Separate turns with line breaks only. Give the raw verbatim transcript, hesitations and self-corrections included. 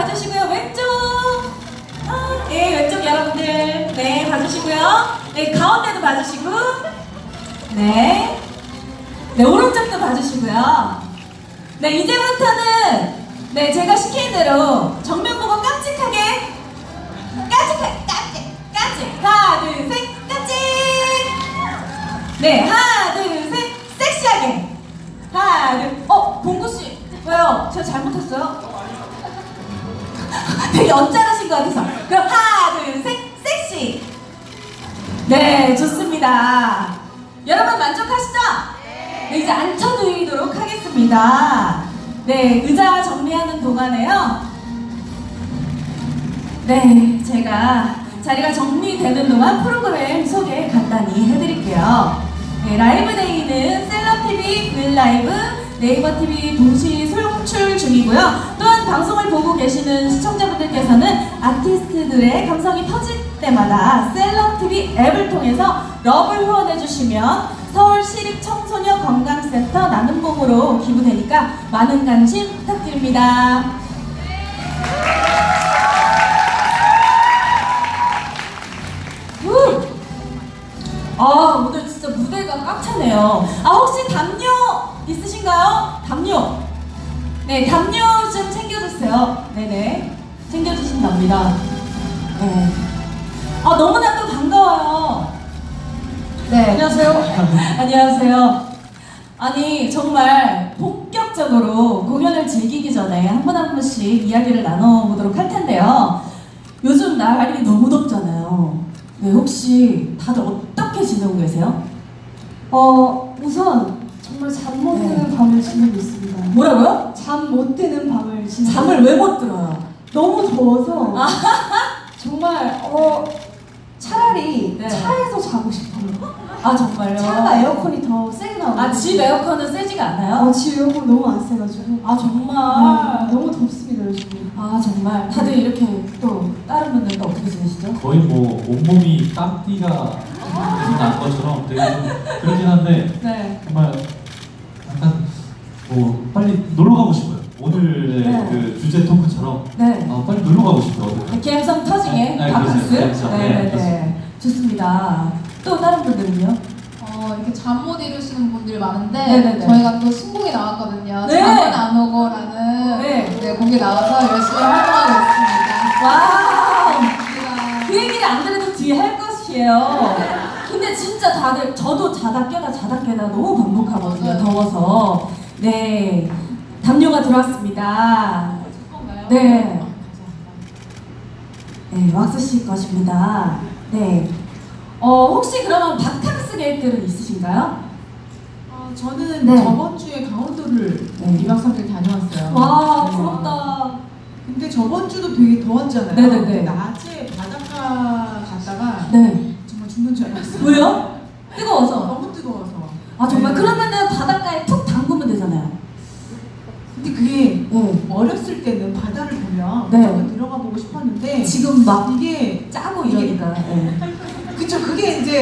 봐주시고요. 왼쪽. 아, 네, 왼쪽 여러분들. 네, 봐주시고요. 네, 가운데도 봐주시고. 네. 네, 오른쪽도 봐주시고요. 네, 이제부터는 네, 제가 시킨 대로 정면 보고 깜찍하게 깜찍하게 깜찍 깜찍 하나 둘 셋 깜찍. 네, 하나 둘 셋 섹시하게 하나 둘. 어, 봉구씨 왜요? 제가 잘못했어요? 되게 언짢으신 것 같아서. 그럼 하나 둘 셋 섹시. 네, 좋습니다. 여러분 만족하시죠? 네, 이제 앉혀드리도록 하겠습니다. 네, 의자 정리하는 동안에요. 네, 제가 자리가 정리되는 동안 프로그램 소개 간단히 해드릴게요. 네, 라이브데이는 셀럽티비, 윌라이브, 네이버티비 동시 송출 중이고요. 또한 방송을 보고 계시는 시청자분들께서는 아티스트들의 감성이 터질 때마다 셀럽티비 앱을 통해서 러블 후원해주시면 서울시립청소년건강센터 나눔봉으로 기부되니까 많은 관심 부탁드립니다. 우! 아, 오늘 진짜 무대가 꽉 차네요. 아, 혹시 담요 있으신가요? 담요. 네, 담요 좀 챙겨주세요. 네네. 챙겨주신답니다. 네. 아, 너무나도 반가워요. 네. 안녕하세요. 안녕하세요. 아니, 정말 본격적으로 공연을 즐기기 전에 한 분 한 분씩 이야기를 나눠보도록 할 텐데요. 요즘 날이 너무 덥잖아요. 네, 혹시 다들 어떻게 지내고 계세요?
어, 우선 정말 잠 못 드는
네.
밤을 지내고 있습니다.
뭐라고요?
잠 못 드는 밤을 지내고
잠을 왜 못 들어요?
너무 더워서
아.
정말 어 차라리
네.
차에서 자고 싶어요.
아, 정말요?
차가 에어컨이 더 세게 나오고
아, 집 에어컨은 세지가 않아요?
어, 집 에어컨 너무 안 세가지고
아, 정말?
네, 너무 덥습니다 요즘.
아, 정말 다들 이렇게 또 다른 분들도 어떻게 지내시죠?
거의 뭐 온몸이 땀띠가 계속 난 것처럼 되게 좀 그러긴 한데
네.
정말 약간 뭐 빨리 놀러 가고 싶어요. 오늘의
네.
그 주제 토크처럼
네.
아, 빨리 놀러 가고 싶어요. 어디.
감성 터지게
네,
바캉스?
그렇죠. 감성. 네,
네네네.
그렇습니다.
좋습니다. 또 다른 분들은요?
어, 이렇게 잠 못 이루시는 분들이 많은데
네네네.
저희가 또 신곡이 나왔거든요.
네.
잠은 안 오고라는
네.
네, 곡이 나와서 열심히 활동하고 있습니다.
와우!
감사합니다.
그 얘기를 안 들어도 뒤에 할 것이에요. 근데 진짜 다들, 저도 자다 깨다 자다 깨다 너무 반복하거든요.
맞아요.
더워서. 네. 담요가 들어왔습니다.
건가요?
네. 네, 왁스 씨 것입니다. 네. 어, 혹시 그러면 바캉스 계획들은 있으신가요?
아, 저는
네.
저번 주에 강원도를
네.
이 박 삼 일 다녀왔어요.
와,
네.
부럽다.
근데 저번 주도 되게 더웠잖아요.
네네네.
근데 낮에 바닷가 갔다가
네.
정말 죽는 줄 알았어요.
왜요? 뜨거워서.
너무 뜨거워서.
아, 정말?
네.
그러면은 바닷가에 푹 담그면 되잖아요.
근데 그게
네.
어렸을 때는 바다를 보면
네.
무조건 들어가 보고 싶었는데
지금 막
이게
짜고 이러니까. 네.
그쵸 그게 이제